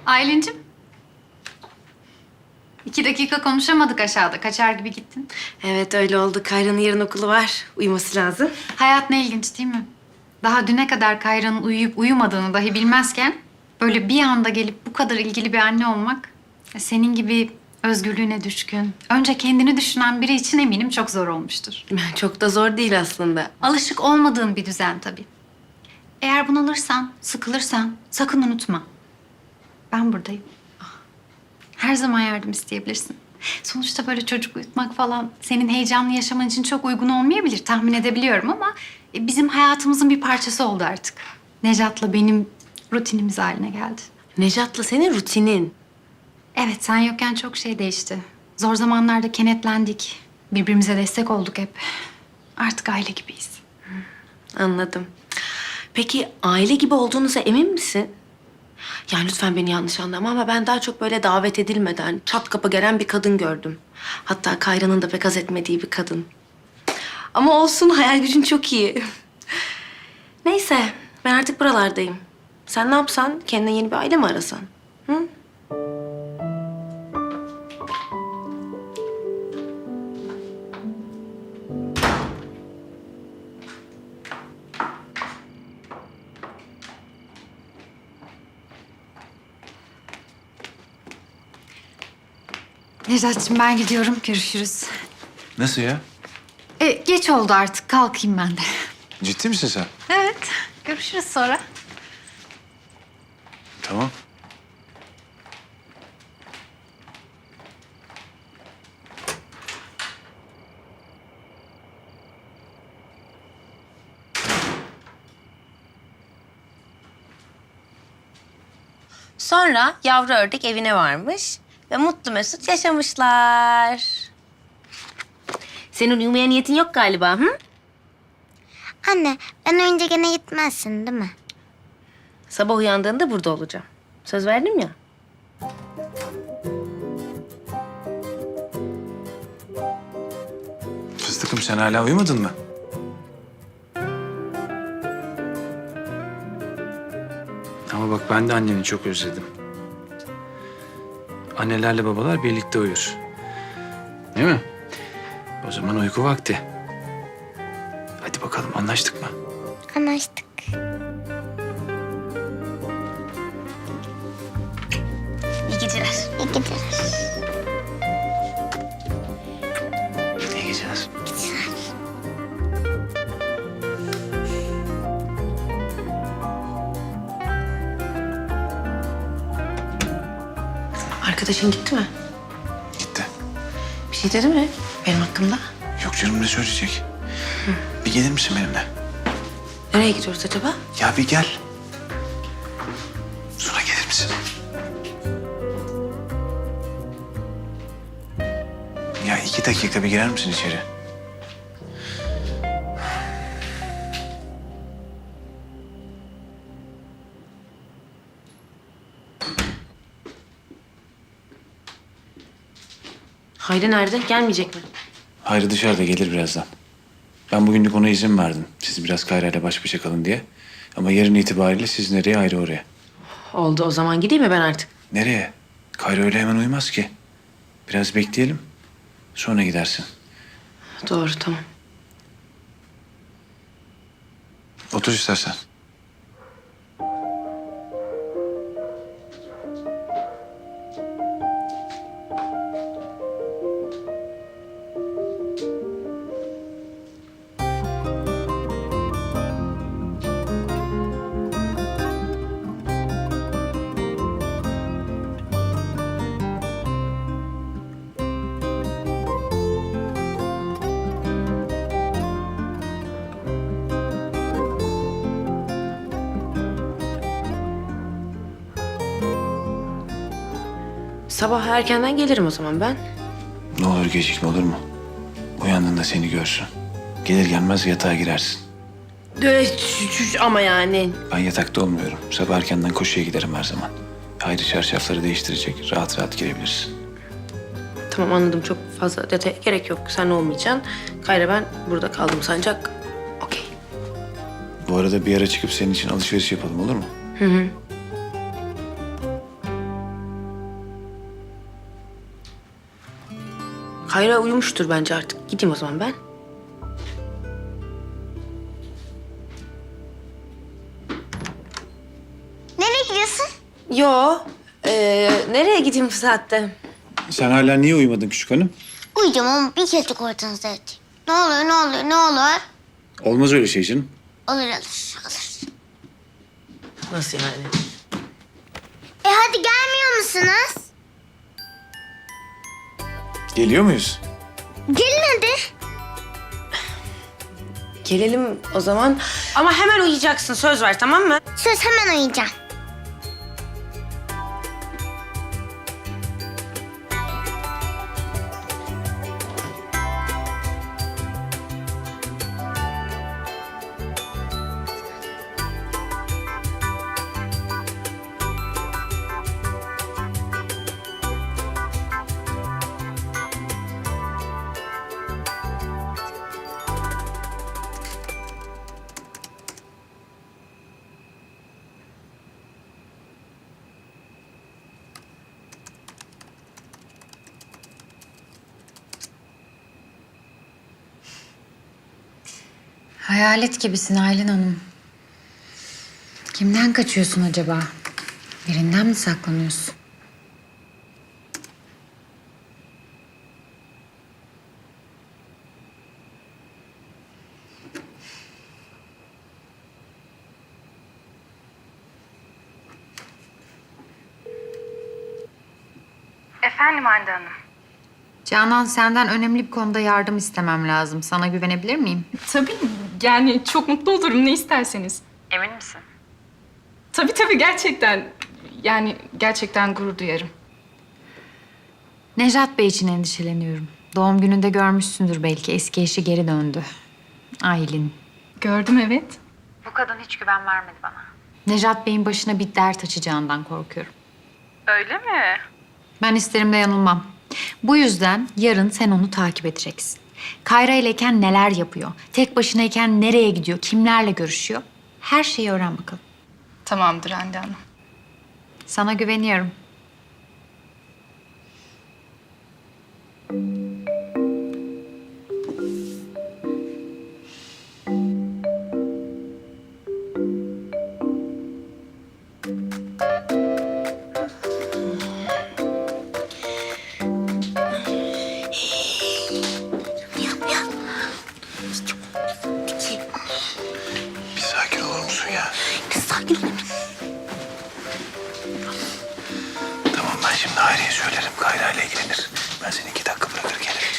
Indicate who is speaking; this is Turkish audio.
Speaker 1: Aylin'cim. 2 dakika konuşamadık aşağıda. Kaçar gibi gittin.
Speaker 2: Evet öyle oldu. Kayra'nın yarın okulu var. Uyuması lazım.
Speaker 1: Hayat ne ilginç değil mi? Daha düne kadar Kayra'nın uyuyup uyumadığını dahi bilmezken... ...böyle bir anda gelip bu kadar ilgili bir anne olmak... ...senin gibi özgürlüğüne düşkün, önce kendini düşünen biri için eminim çok zor olmuştur.
Speaker 2: Çok da zor değil aslında.
Speaker 1: Alışık olmadığın bir düzen tabii. Eğer bunalırsan, sıkılırsan sakın unutma. Ben buradayım. Her zaman yardım isteyebilirsin. Sonuçta böyle çocuk uyutmak falan senin heyecanlı yaşaman için çok uygun olmayabilir. Tahmin edebiliyorum ama bizim hayatımızın bir parçası oldu artık. Nejat'la benim rutinimiz haline geldi.
Speaker 2: Nejat'la senin rutinin.
Speaker 1: Evet, sen yokken çok şey değişti. Zor zamanlarda kenetlendik. Birbirimize destek olduk hep. Artık aile gibiyiz.
Speaker 2: Anladım. Peki aile gibi olduğunuza emin misin? Yani lütfen beni yanlış anlama ama ben daha çok böyle davet edilmeden çat kapı gelen bir kadın gördüm. Hatta Kayra'nın da pek haz etmediği bir kadın. Ama olsun, hayal gücün çok iyi. Neyse, ben artık buralardayım. Sen ne yapsan? Kendine yeni bir aile mi arasan? Hı?
Speaker 1: Nejat'cığım ben gidiyorum. Görüşürüz.
Speaker 3: Nasıl ya?
Speaker 1: Geç oldu artık. Kalkayım ben de.
Speaker 3: Ciddi misin sen?
Speaker 1: Evet. Görüşürüz sonra.
Speaker 3: Tamam.
Speaker 2: Sonra yavru ördek evine varmış ve mutlu mesut yaşamışlar. Senin uyumaya niyetin yok galiba, hı?
Speaker 4: Anne, ben önce gene gitmezsin değil mi?
Speaker 2: Sabah uyandığında burada olacağım. Söz verdim ya.
Speaker 3: Fıstıkım sen hala uyumadın mı? Ama bak ben de anneni çok özledim. Annelerle babalar birlikte uyur. Değil mi? O zaman uyku vakti. Hadi bakalım anlaştık mı?
Speaker 4: Anlaştık.
Speaker 2: İyi geceler.
Speaker 4: İyi geceler.
Speaker 3: İyi geceler.
Speaker 2: Arkadaşın gitti mi?
Speaker 3: Gitti.
Speaker 2: Bir şey dedi mi benim hakkımda?
Speaker 3: Yok canım ne söyleyecek? Bir gelir misin benimle?
Speaker 2: Nereye gidiyoruz acaba?
Speaker 3: Ya bir gel. Sonra gelir misin? Ya 2 dakika bir girer misin içeri?
Speaker 2: Hayri nerede? Gelmeyecek mi?
Speaker 3: Hayri dışarıda gelir birazdan. Ben bugünlük ona izin verdim. Siz biraz Kayra ile baş başa kalın diye. Ama yarın itibariyle siz nereye ayrı oraya.
Speaker 2: Oldu, o zaman gideyim mi ben artık?
Speaker 3: Nereye? Kayra öyle hemen uyumaz ki. Biraz bekleyelim. Sonra gidersin.
Speaker 2: Doğru, tamam.
Speaker 3: Otur istersen.
Speaker 2: Sabah erkenden gelirim o zaman ben.
Speaker 3: Ne olur gecikme olur mu? Uyandığında seni görsün. Gelir gelmez yatağa girersin.
Speaker 2: Ama yani.
Speaker 3: Ben yatakta olmuyorum. Sabah erkenden koşuya giderim her zaman. Hayri çarşafları değiştirecek. Rahat rahat girebilirsin.
Speaker 2: Tamam, anladım. Çok fazla detaya gerek yok. Sen olmayacaksın. Kayra ben burada kaldım sancak. Okey.
Speaker 3: Bu arada bir ara çıkıp senin için alışveriş yapalım olur mu?
Speaker 2: Hı hı. Kayra uyumuştur bence artık. Gideyim o zaman ben.
Speaker 4: Nereye gidiyorsun?
Speaker 2: Yo. Nereye gideyim bu saatte?
Speaker 3: Sen hala niye uyumadın küçük hanım?
Speaker 4: Uyuyacağım ama bir kere ortanızda yatayım. Ne olur, ne olur, ne olur?
Speaker 3: Olmaz öyle şey canım.
Speaker 4: Olur, olur.
Speaker 2: Nasıl yani?
Speaker 4: Hadi gelmiyor musunuz?
Speaker 3: Geliyor muyuz?
Speaker 4: Gelin hadi.
Speaker 2: Gelelim o zaman. Ama hemen uyuyacaksın. Söz ver, tamam mı?
Speaker 4: Söz, hemen uyuyacağım.
Speaker 5: Hayalet gibisin Aylin Hanım. Kimden kaçıyorsun acaba? Birinden mi saklanıyorsun?
Speaker 6: Efendim Hande Hanım.
Speaker 5: Canan, senden önemli bir konuda yardım istemem lazım. Sana güvenebilir miyim?
Speaker 6: Tabii yani çok mutlu olurum ne isterseniz.
Speaker 5: Emin misin?
Speaker 6: Tabii gerçekten. Yani gerçekten gurur duyarım.
Speaker 5: Nejat Bey için endişeleniyorum. Doğum gününde görmüşsündür belki. Eski eşi geri döndü. Aylin.
Speaker 6: Gördüm evet.
Speaker 5: Bu kadın hiç güven vermedi bana. Nejat Bey'in başına bir dert açacağından korkuyorum.
Speaker 6: Öyle mi?
Speaker 5: Ben isterim de yanılmam. Bu yüzden yarın sen onu takip edeceksin. Kayra ileyken neler yapıyor? Tek başınayken nereye gidiyor? Kimlerle görüşüyor? Her şeyi öğren bakalım.
Speaker 6: Tamamdır Hande Hanım.
Speaker 5: Sana güveniyorum.
Speaker 3: Bir sakin olur musun ya?
Speaker 4: Sakin ol.
Speaker 3: Tamam ben şimdi Hayri'ye söylerim. Kayra ile ilgilenir. Ben seni 2 dakika bırakır gelirim.